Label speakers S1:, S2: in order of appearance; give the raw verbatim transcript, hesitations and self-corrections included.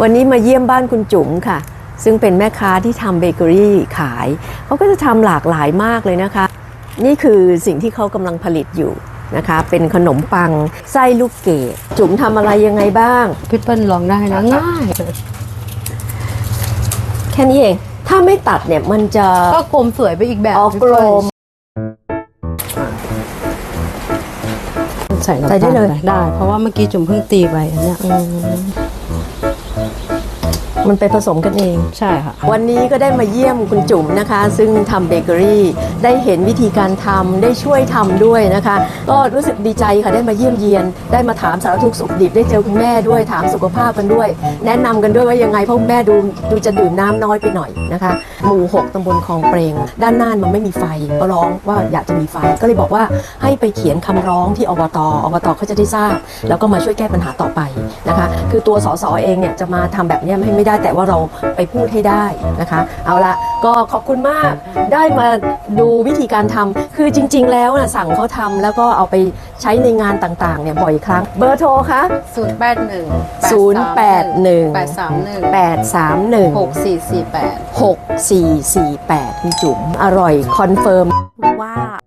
S1: วันนี้มาเยี่ยมบ้านคุณจุ๋มค่ะซึ่งเป็นแม่ค้าที่ทำเบเกอรี่ขายเขาก็จะทำหลากหลายมากเลยนะคะนี่คือสิ่งที่เขากำลังผลิตอยู่นะคะเป็นขนมปังไส้ลูกเกดจุ๋มทำอะไรยังไงบ้าง
S2: พี่เปิ้ลลองได้นะง่าย
S1: แค่นี้เองถ้าไม่ตัดเนี่ยมันจะ
S2: ก็กลมสวยไปอีกแบบ
S1: ออกกลม
S2: ใส่ใส่ได้เลยได้เพราะว่าเมื่อกี้จุ๋มเพิ่งตีไปอันเนี้ย
S1: มันไปผสมกันเอง
S2: ใช่ค่ะ
S1: วันนี้ก็ได้มาเยี่ยมคุณจุ๋มนะคะซึ่งทำเบเกอรี่ได้เห็นวิธีการทำได้ช่วยทำด้วยนะคะก็รู้สึกดีใจค่ะได้มาเยี่ยมเยียนได้มาถามสารทุกข์สุขดิบได้เจอคุณแม่ด้วยถามสุขภาพกันด้วยแนะนำกันด้วยว่ายังไงเพราะแม่ดูดูจะดื่มน้ำน้อยไปหน่อยนะคะหมู่หกตำบลคลองเปรงด้านหน้ามันไม่มีไฟก็ร้องว่าอยากจะมีไฟก็เลยบอกว่าให้ไปเขียนคำร้องที่อบตอบตเขาจะได้ทราบแล้วก็มาช่วยแก้ปัญหาต่อไปนะคะคือตัวสสเองเนี่ยจะมาทำแบบนี้ไม่ไม่ได้แต่ว่าเราไปพูดให้ได้นะคะเอาละก็ขอบคุณมากได้มาดูวิธีการทำคือจริงๆแล้วนะสั่งเขาทำแล้วก็เอาไปใช้ในงานต่างๆเนี่ยบ่อยครั้งเบอร์โทรคะ
S2: ศูนย์แปดหนึ่ง
S1: ศูนย์แปดหนึ่ง
S2: แปดสามหนึ่ง
S1: แปดสามหนึ่ง
S2: หกสี่สี่แปด
S1: หกสี่สี่แปดคุณจุ๋มอร่อยคอนเฟิร์ม
S3: ว่า